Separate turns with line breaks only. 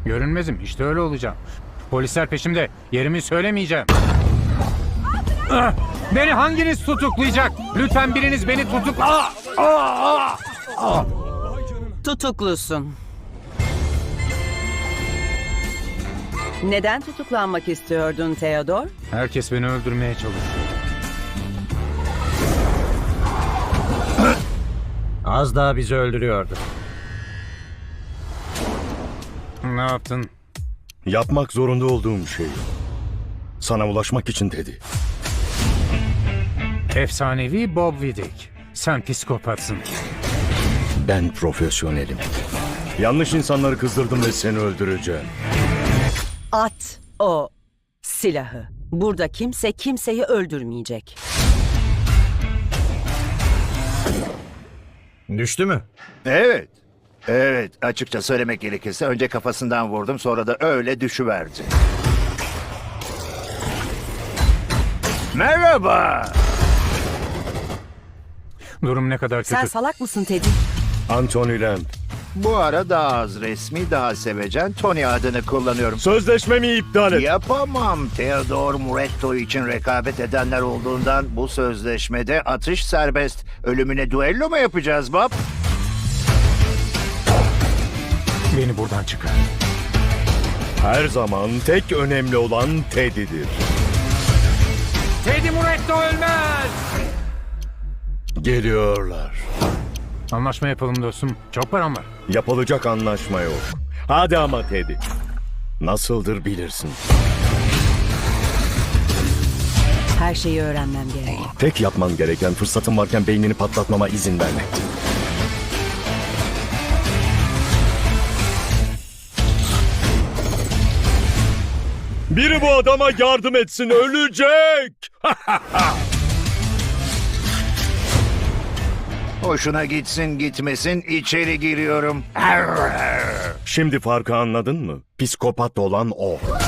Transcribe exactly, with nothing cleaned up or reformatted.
Görünmezim. İşte öyle olacağım. Polisler peşimde. Yerimi söylemeyeceğim. Ah! Beni hanginiz tutuklayacak? Lütfen biriniz beni tutukla... Ah! Ah! Ah!
Tutuklusun. Neden tutuklanmak istiyordun Theodor?
Herkes beni öldürmeye çalışıyor.
Az daha bizi öldürüyordu.
Ne yaptın?
Yapmak zorunda olduğum şey. Sana ulaşmak için dedi.
Efsanevi Bob Vidic. Sen psikopatsın.
Ben profesyonelim. Yanlış insanları kızdırdım ve seni öldüreceğim.
At o silahı. Burada kimse kimseyi öldürmeyecek.
Düştü mü?
Evet. Evet, açıkça söylemek gerekirse önce kafasından vurdum, sonra da öyle düşüverdi. Merhaba.
Durum ne kadar kötü.
Sen salak mısın Teddy?
Anthony Lamb.
Bu ara daha az resmi, daha sevecen Tony adını kullanıyorum.
Sözleşmemi iptal et.
Yapamam. Theodor Muretto için rekabet edenler olduğundan bu sözleşmede atış serbest. Ölümüne duello mu yapacağız Bob?
Beni buradan çıkar.
Her zaman tek önemli olan Teddy'dir.
Teddy Muretto ölmez!
Geliyorlar.
Anlaşma yapalım dostum. Çok param var.
Yapılacak anlaşma yok. Hadi ama Teddy. Nasıldır bilirsin.
Her şeyi öğrenmem gerek.
Tek yapman gereken fırsatın varken beynini patlatmama izin vermekti. Biri bu adama yardım etsin, ölecek!
Hoşuna gitsin gitmesin içeri giriyorum.
Şimdi farkı anladın mı? Psikopat olan o.